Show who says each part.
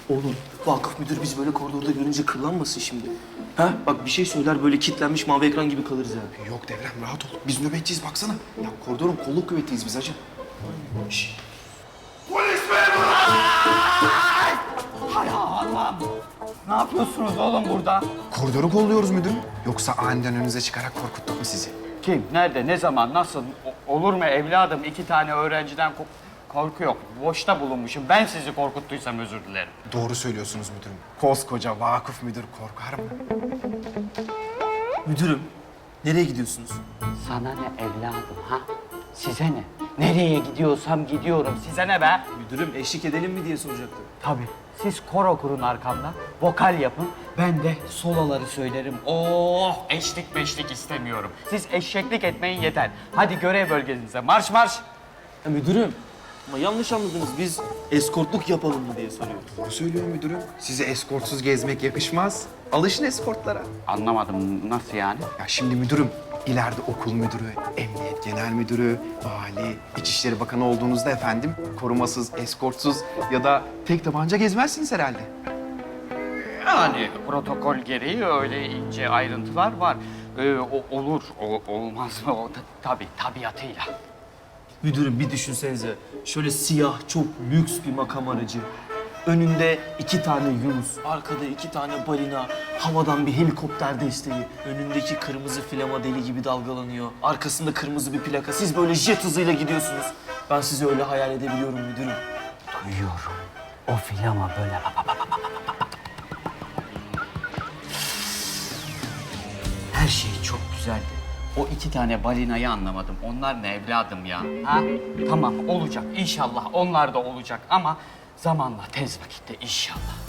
Speaker 1: Oğlum Vakıf müdür biz böyle koridorda görünce kıllanmasın şimdi. Ha bak bir şey söyler böyle kilitlenmiş mavi ekran gibi kalırız ha.
Speaker 2: Yok Devrem rahat ol. Biz nöbetçiyiz baksana. Ya koridorun kolluk kuvvetiyiz biz hacı. Şşş.
Speaker 3: Hay Allah'ım. Ne yapıyorsunuz oğlum burada?
Speaker 2: Koridoru kolluyoruz müdürüm. Yoksa aniden önünüze çıkarak korkuttuk mu sizi?
Speaker 3: Kim, nerede, ne zaman, nasıl? Olur mu evladım? 2 tane öğrenciden korku yok. Boşta bulunmuşum. Ben sizi korkuttuysam özür dilerim.
Speaker 2: Doğru söylüyorsunuz müdürüm. Koskoca vakıf müdür korkar mı?
Speaker 1: Müdürüm nereye gidiyorsunuz?
Speaker 3: Sana ne evladım ha? Size ne? Nereye gidiyorsam gidiyorum. Size ne be?
Speaker 1: Müdürüm eşlik edelim mi diye soracaktım.
Speaker 3: Tabii. Siz koro kurun arkamda. Vokal yapın. Ben de soloları söylerim. Oh! Eşlik meşlik istemiyorum. Siz eşeklik etmeyin yeter. Hadi görev bölgenize. Marş marş!
Speaker 1: Ya müdürüm ama yanlış anladınız biz eskortluk yapalım mı diye soruyoruz.
Speaker 2: Doğru söylüyor müdürüm. Size eskortsuz gezmek yakışmaz. Alışın eskortlara.
Speaker 3: Anlamadım. Nasıl yani?
Speaker 2: Ya şimdi müdürüm, ileride okul müdürü, emniyet genel müdürü, vali, İçişleri Bakanı olduğunuzda efendim korumasız, eskortsuz ya da tek tabanca gezmezsiniz herhalde.
Speaker 3: Yani protokol gereği öyle ince ayrıntılar var. Olur, olmaz mı? Tabii, tabiatıyla.
Speaker 1: Müdürüm bir düşünsenize şöyle siyah çok lüks bir makam aracı. Önünde 2 tane Yunus, arkada 2 tane balina, havadan bir helikopter desteği. Önündeki kırmızı flama deli gibi dalgalanıyor. Arkasında kırmızı bir plaka. Siz böyle jet hızıyla gidiyorsunuz. Ben sizi öyle hayal edebiliyorum müdürüm.
Speaker 3: Duyuyorum. O filama böyle Her şey çok güzeldi. O 2 tane balinayı anlamadım. Onlar ne evladım ya? Ha? Tamam olacak inşallah onlar da olacak ama zamanla tez vakitte inşallah.